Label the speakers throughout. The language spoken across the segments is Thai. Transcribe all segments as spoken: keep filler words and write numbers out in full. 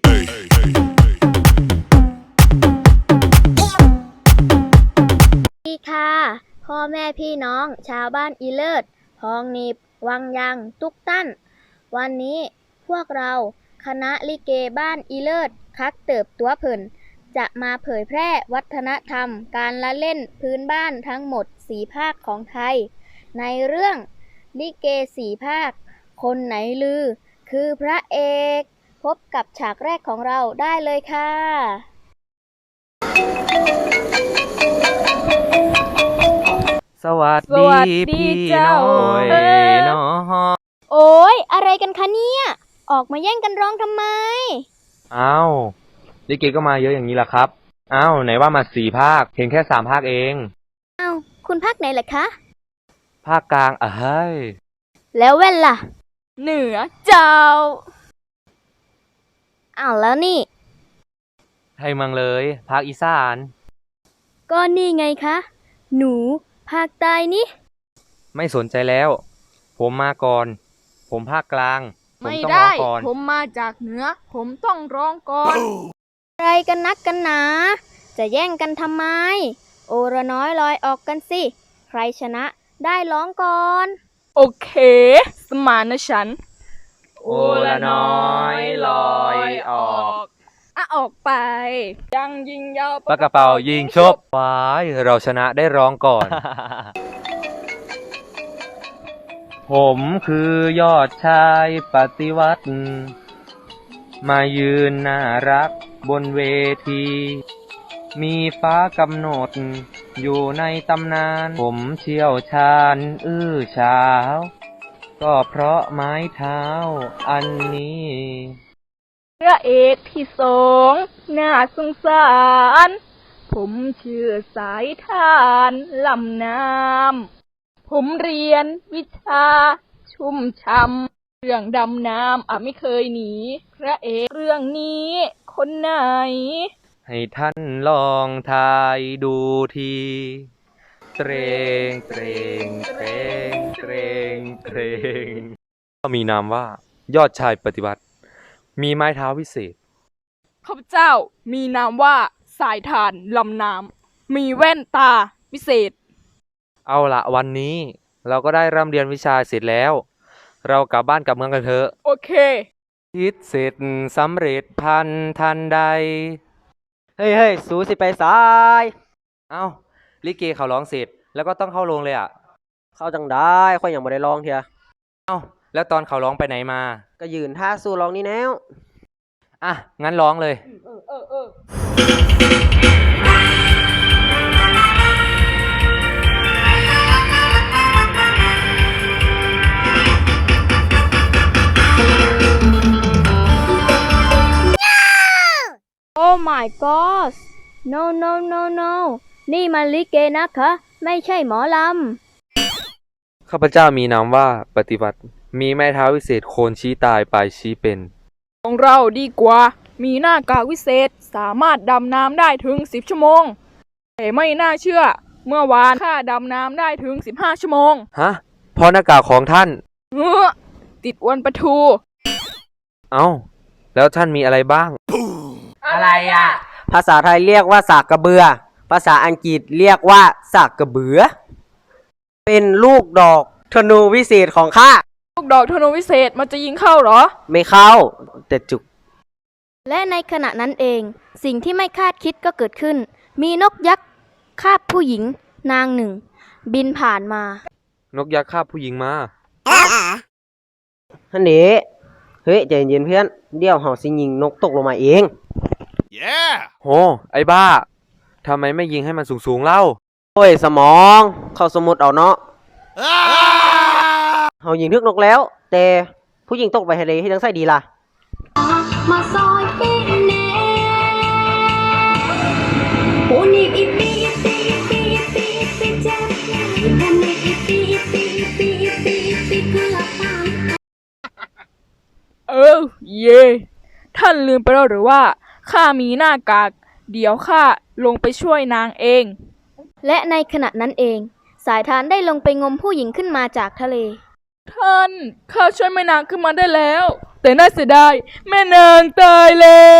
Speaker 1: ดีค่ะพ่อแม่พี่น้องชาวบ้านอีเลิศพองนิบวังยังตุกตั้นวันนี้พวกเราคณะลิเกบ้านอีเลิศคักเติบตัวเพิ่นจะมาเผยแพร่วัฒนธรรมการละเล่นพื้นบ้านทั้งหมดสี่ภาคของไทยในเรื่องลิเกสี่ภาคคนไหนลือคือพระเอกพบกับฉากแรกของเราได้เลยค่ะ
Speaker 2: สวัสดีพี่น้อยน้อง
Speaker 1: โอ้ยอะไรกันคะเนี่ยออกมาแย่งกันร้องทำไม
Speaker 2: อ้าวลิเกก็มาเยอะอย่างนี้ล่ะครับอ้าวไหนว่ามาสี่ภาคเพียงแค่สามภาคเอง
Speaker 1: อ้าวคุณภาคไหนล่ะคะ
Speaker 2: ภาคกลางอ่ะเฮ้ย
Speaker 1: แล้วเว้นล่ะเหนือเจ้าอ้าวแล้วนี่
Speaker 2: ไทยเมืองเลยภาคอีสาน
Speaker 1: ก็นี่ไงคะหนูภาคใต้นี่
Speaker 2: ไม่สนใจแล้วผมมาก่อนผมภาคกลางผม
Speaker 3: ไม่
Speaker 2: ต้องร้
Speaker 3: ได้
Speaker 2: องก่อน
Speaker 3: ผมมาจากเหนือผมต้องร้องก่อน
Speaker 1: อะไรกันนักกันหนาจะแย่งกันทำไมโอระน้อยลอยออกกันสิใครชนะได้ร้องก่อน
Speaker 3: โอเคสมานฉันท์
Speaker 2: โอละน้อยลอยออก
Speaker 3: อ่ะออกไปยังยิงยาว
Speaker 2: ปากกระเป๋ายิงชบว้ายเราชนะได้ร้องก่อน ผมคือยอดชายปฏิวัติมายืนน่ารักบนเวทีมีฟ้ากำหนดอยู่ในตำนานผมเชี่ยวชาญอื้อฉาวก็เพราะไม้เท้าอันนี้
Speaker 3: พระเอกที่สองน่าสงสารผมชื่อสายทานลำน้ำผมเรียนวิชาชุ่มช่ำเรื่องดำน้ำอ่ะไม่เคยหนีพระเอกเรื่องนี้คนไหน
Speaker 2: ให้ท่านลองทายดูทีเตรงเตรงเตรงเตรงเตรงก็มีนามว่ายอดชายปฏิวัติมีไม้เท้าวิเศษ
Speaker 3: ข้าพเจ้ามีนามว่าสายทานลำน้ำมีแว่นตาวิเศษ
Speaker 2: เอาละวันนี้เราก็ได้ร่ำเรียนวิชาเสร็จแล้วเรากลับบ้านกลับเมืองกันเถอะ
Speaker 3: โอเค
Speaker 2: คิดเสร็จสำเร็จพันทันใด
Speaker 4: เฮ้ยเฮ้ยสูสิไปสาย
Speaker 2: เอ้าลิเกเขาร้องเสร็จแล้วก็ต้องเข้าโรงเลยอ่ะ
Speaker 4: เข้าจังได้ค่อยยังบ่ได้ร้องเถีย
Speaker 2: เอ้าแล้วตอนเขาร้องไปไหนมา
Speaker 4: ก็ยืนท่าสู้ร้องนี่แนว
Speaker 2: อ่ะงั้นร้องเลย
Speaker 3: เออเออเออ
Speaker 1: โอ้ my god no no no no นี่มันลิเกนะคะไม่ใช่หมอล
Speaker 2: ำข้าพเจ้ามีนามว่าปฏิวัติมีไม้เท้าวิเศษโคนชี้ตายปลายชี้เป็น
Speaker 3: ของเราดีกว่ามีหน้ากากวิเศษสามารถดำน้ำได้ถึงสิบชั่วโมงแต่ไม่น่าเชื่อเมื่อวานข้าดำน้ำได้ถึงสิบห้าชั่วโมง
Speaker 2: ฮะเพราะหน้ากากของท่าน
Speaker 3: เออติดอวนปลาทู
Speaker 2: เอ้าแล้วท่านมีอะไรบ้าง
Speaker 4: อะไรอ่ะภาษาไทยเรียกว่าสากกระเบือภาษาอังกฤษเรียกว่าสากกระเบือเป็นลูกดอกธนูวิเศษของข้า
Speaker 3: ลูกดอกธนูวิเศษมันจะยิงเข้าเหรอ
Speaker 4: ไม่เข้าแต่จุก
Speaker 1: และในขณะนั้นเองสิ่งที่ไม่คาดคิดก็เกิดขึ้นมีนกยักษ์คาบผู้หญิงนางหนึ่งบินผ่านมาน
Speaker 2: กยักษ์คาบผู้หญิงมา
Speaker 4: ฮันเดเฮ้ยใจเย็นเพื่อนเดี๋ยวเฮาสิยิงนกตกลงมาเอง
Speaker 2: yeah โหไอ้บ้าทำไมไม่ยิงให้มันสูงๆเล่า
Speaker 4: โอ้ยสมองเข้าสมุดเอาเนาะเฮายิงทึกนกแล้วแต่ผู้หญิงตกไปทะเลให้จังไสดีล่ะมาซอยปีเน่โอ้นี่อีปีอีปีอีปีอีปีอีปีเจ็บโอ้นี่อีปีอีปีอีปีอีปีอีปีเกือบตาย
Speaker 3: เออเย่ท่านลืมไปแล้วหรือว่าข้ามีหน้ากากเดี๋ยวข้าลงไปช่วยนางเอง
Speaker 1: และในขณะนั้นเองสายทานได้ลงไปงมผู้หญิงขึ้นมาจากทะเล
Speaker 3: ท่านข้าช่วยแม่นางขึ้นมาได้แล้ว แต่น่าเสียดายแม่นางตายแล้ว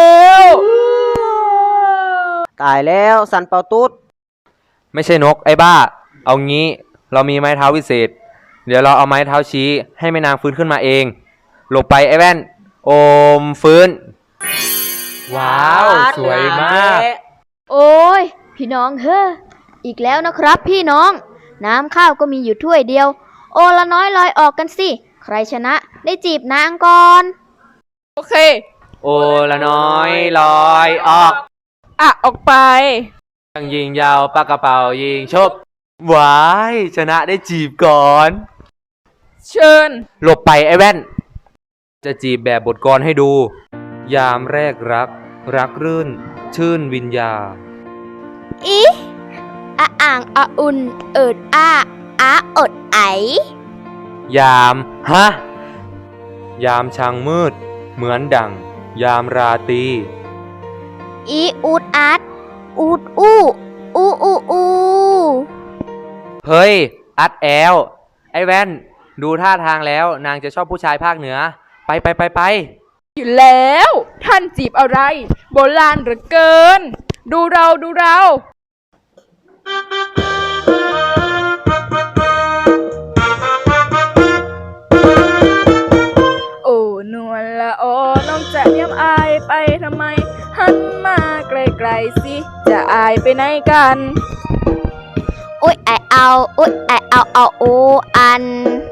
Speaker 4: ตายแล้วสันเปาตุ๊ด
Speaker 2: ไม่ใช่นกไอ้บ้า เอางี้เรามีไม้เท้าวิเศษ เดี๋ยวเราเอาไม้เท้าชี้ให้แม่นางฟื้นขึ้นมาเองหลบไปไอ้แว่น โอมฟื้น ว้าว สวยมาก
Speaker 1: โอ้ยพี่น้องเฮ้ออีกแล้วนะครับพี่น้อง น้ำข้าวก็มีอยู่ถ้วยเดียว โอละน้อยลอยออกกันสิ ใครชนะได้จีบนางก่อน
Speaker 3: โอเค
Speaker 2: โอละน้อยลอยออก
Speaker 3: อ่ะ ออกไป
Speaker 2: ยิงยิงยาวปากกระเป๋ายิงชบว้ายชนะได้จีบก่อน
Speaker 3: เชิญ
Speaker 2: หลบไปไอ้แว่น จะจีบแบบบทกลอนให้ดู ยามแรกรัก รักรื่น ชื่นวิญญา
Speaker 1: อีอะอ่างอะอุ่น เอิดอาอาอดไอ
Speaker 2: ยามฮะ ยามช่างมืด เหมือนดัง ยามราตรี
Speaker 1: อีอูดอาดอูดอู้อูอูอู
Speaker 2: เฮ้ย อัดแอล ไอ้แว่น ดูท่าทางแล้วนางจะชอบผู้ชายภาคเหนือ ไปไปไปไป
Speaker 3: อยู่แล้ว ท่านจีบอะไร โบราณเหลือเกิน ดูเราดูเรา โอ้นวลละออน้องจะเยี่ยมอายไปทำไม หันมาไกลๆสิ จะอายไปไหนกัน
Speaker 1: อุ้ยไอเอาอุ้ยไอเอาเอาโออัน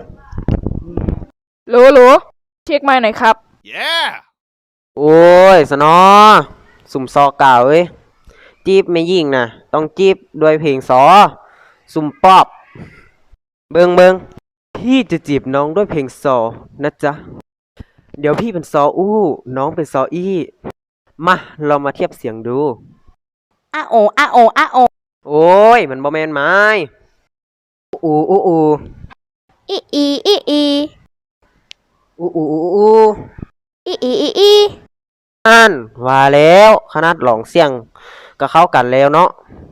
Speaker 3: โหลโหลเช็คไมค์หน่อยครับ
Speaker 5: Yeah!
Speaker 4: โอ้ยสนอสุ่มซอเก่าเอ้ยจีบไม่ยิ่งนะต้องจีบด้วยเพลงซอสุ่มปอบ เบิงเบิงพี่จะจีบน้องด้วยเพลงซอนะจ๊ะ เดี๋ยวพี่เป็นซออู้น้องเป็นซออี้มาเรามาเทียบเสียงดูอะโออะโออะโอโอ้ยมันบ่แมนไม้อูอูอู
Speaker 1: อีอีอีอี
Speaker 4: อูอูอูอู
Speaker 1: อีอีอีอี
Speaker 4: อ่านว่าแล้วขนาดหลองเสียงก็เข้ากันแล้วเนาะ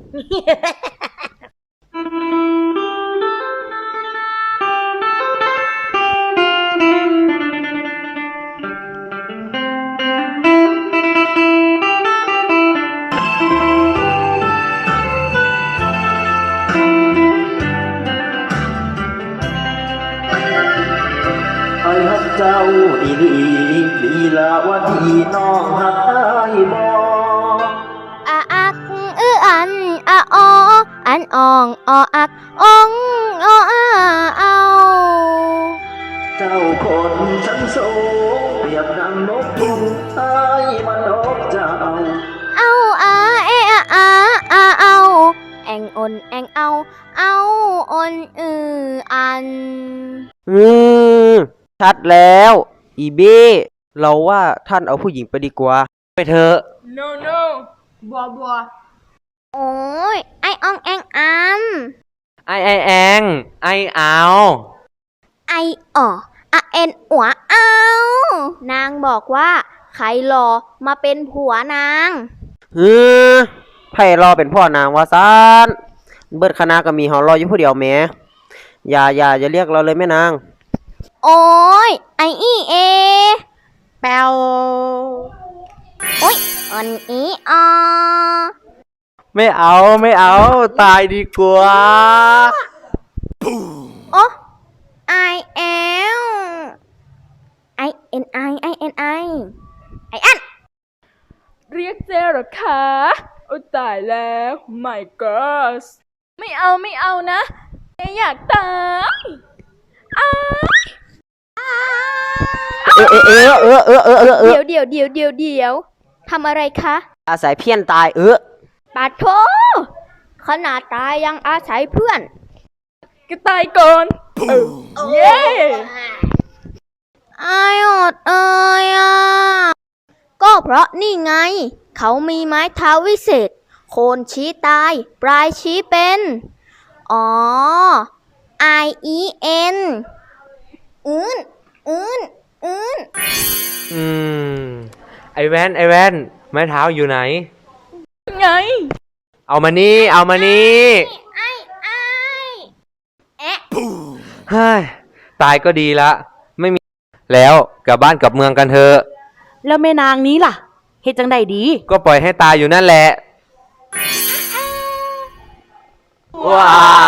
Speaker 6: ไอ้ฮักเจ้าอีหลีลีลาวาทีน้องฮักอ้ายบ่
Speaker 1: อาอักอืออันอาอออันอองออักองออาเอา
Speaker 6: เจ้าคนชั้นสูงเปรียบดังนกยุงอ้ายมันนกเจ้า
Speaker 1: เอาอาเออาอาอาเอาแองอนแองเอาเอาอนอืออัน
Speaker 4: อืมชัดแล้วอีเบ้เราว่าท่านเอาผู้หญิงไปดีกว่า
Speaker 2: ไปเถอะ
Speaker 3: no no บัวบัว
Speaker 1: โอ้ยไออองแองอัน
Speaker 2: ไอไอแอง ไอเอา
Speaker 1: ไออ๋ออะเอ็นอัวเอา นางบอกว่าใครหลอมาเป็นผัวนาง
Speaker 4: ฮือไพ่รอเป็นพ่อนางว่าซานเบิดคณะก็มีเฮารออยู่ผู้เดียวแหมอย่าอย่าอย่าเรียกเราเลยแม่นาง
Speaker 1: โอ้ยไออีเอ
Speaker 4: แปว
Speaker 1: โอ้ยอันอีออ
Speaker 4: ไม่เอาไม่เอาตายดีกว่า
Speaker 1: โอ้ไอเอลไอเอ็นไอไอเอ็นไอไออัน
Speaker 3: เรียกเจเหรอคะ โอ้ตายแล้ว my god ไม่เอาไม่เอานะเจอยากตายอ้า
Speaker 4: เออเออเออเออเออเออเออ
Speaker 1: เดี๋ยวเดี๋ยวเดี๋ยวเดี๋ยวเดี๋ยวทำอะไรคะ
Speaker 4: อาศัยเพี้ยนตายเออ
Speaker 1: ปาโทขนาดตายยังอาศัยเพื่อน
Speaker 3: ก็ตายก่อนเออเย้
Speaker 1: ไออดเอยอ่ะ ก็เพราะนี่ไง เขามีไม้เท้าวิเศษ โคนชี้ตาย ปลายชี้เป็น อ๋อ I E N อืนอืนอืน
Speaker 2: อืม ไอแว่น ไอแว่น ไม้เท้าอยู่ไหน
Speaker 3: ไง
Speaker 2: เอามานี่ เอามานี่
Speaker 1: ไอไอแอะ
Speaker 2: เฮ้ย ไปตายก็ดีละไม่มีแล้วกลับบ้านกลับเมืองกันเถอะ
Speaker 5: แล้วแม่นางนี้ล่ะเฮ็ดจังใดดี
Speaker 2: ก็ปล่อยให้ตายอยู่นั่นแหละว้า